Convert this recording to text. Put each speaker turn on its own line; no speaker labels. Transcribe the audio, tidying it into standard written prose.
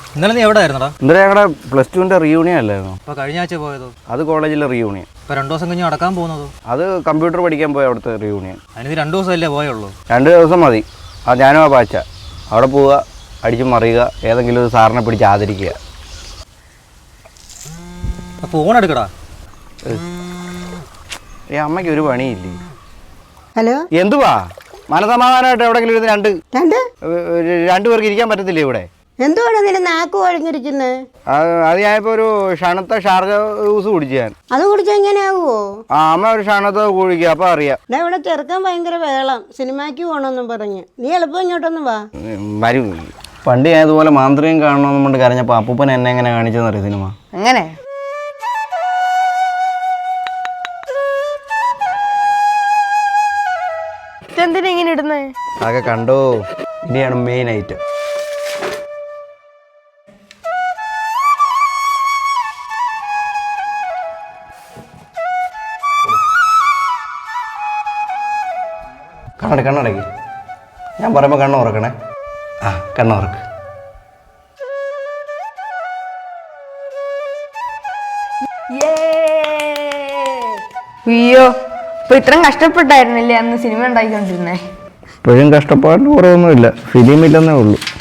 ഇന്നലെ നീ എവിടെ ആയിരുന്നടാ?
ഇന്നലെ ഞങ്ങളുടെ +2 റിയൂണിയൻ അല്ലായിരുന്നു?
അപ്പോൾ കഴിഞ്ഞ ആഴ്ച പോയതോ?
അത് കോളേജിലെ റിയൂണിയൻ.
ഇപ്പോൾ 2 ദിവസം കഴിഞ്ഞ് നടക്കാൻ പോകുന്നതോ?
അത് കമ്പ്യൂട്ടർ പഠിക്കാൻ പോയ അവിടുത്തെ റിയൂണിയൻ.
അതിന് 2 ദിവസമല്ലേ പോയുള്ളൂ?
2 ദിവസം മതി. അത് ഞാനും ആ ബാച്ച അവിടെ പോവുക, അടിച്ചു മറിയുക, ഏതെങ്കിലും ഒരു സാറിനെ പിടിച്ച് ആദരിക്കുക.
ഫോൺ എടുക്കടാ.
അമ്മയ്ക്ക് ഒരു പണിയില്ലേ?
ഹലോ,
എന്തുവാ മനസമാധാനമായിട്ട് എവിടെങ്കിലും ഇരുന്ന് രണ്ടുപേർക്ക് ഇരിക്കാൻ പറ്റത്തില്ലേ ഇവിടെ?
എന്തുവാണ് നിന്റെ നാക്ക് കുഴഞ്ഞിരിക്കുന്നത്?
അത് ഞാനിപ്പോ ഒരു ഷണത്തെ ഷാർജ ജ്യൂസ് കുടിച്ചു ഞാൻ.
അത് കുടിച്ചാൽ എങ്ങനെയാവോ?
അമ്മ ഒരു ഷണത്തെ കുടിക്കുക, അപ്പൊ അറിയാം.
ഇവിടെ ചെറുക്കാൻ ഭയങ്കര വേളം, സിനിമയ്ക്ക് പോകണമെന്നും പറഞ്ഞ്. നീ എളുപ്പം ഇങ്ങോട്ടൊന്നും വാ.
വരും. പണ്ട് ഞാൻ ഇതുപോലെ മാന്ത്രികം കാണണമെന്ന് കൊണ്ട് കരഞ്ഞപ്പോ അപ്പൂപ്പൻ എന്നെ എങ്ങനെ കാണിച്ചെന്നറിയ സിനിമ.
അങ്ങനെ എന്തിനാ ഇങ്ങനെ ഇടുന്നേ?
അതൊക്കെ കണ്ടോ, ഇനിയാണ് മെയിൻ ഐറ്റം. കണ്ണടയ്ക്ക്. ഞാൻ പറയുമ്പോൾ കണ്ണ് ഉറക്കണേ. കണ്ണ് ഉറക്ക്.
അയ്യോ, ഇപ്പൊ ഇത്രയും കഷ്ടപ്പെട്ടായിരുന്നില്ലേ അന്ന് സിനിമ ഉണ്ടാക്കിക്കൊണ്ടിരുന്നേ?
ഇപ്പോഴും കഷ്ടപ്പാടിന് കുറവൊന്നുമില്ല, ഫിലിമില്ലെന്നേ ഉള്ളൂ.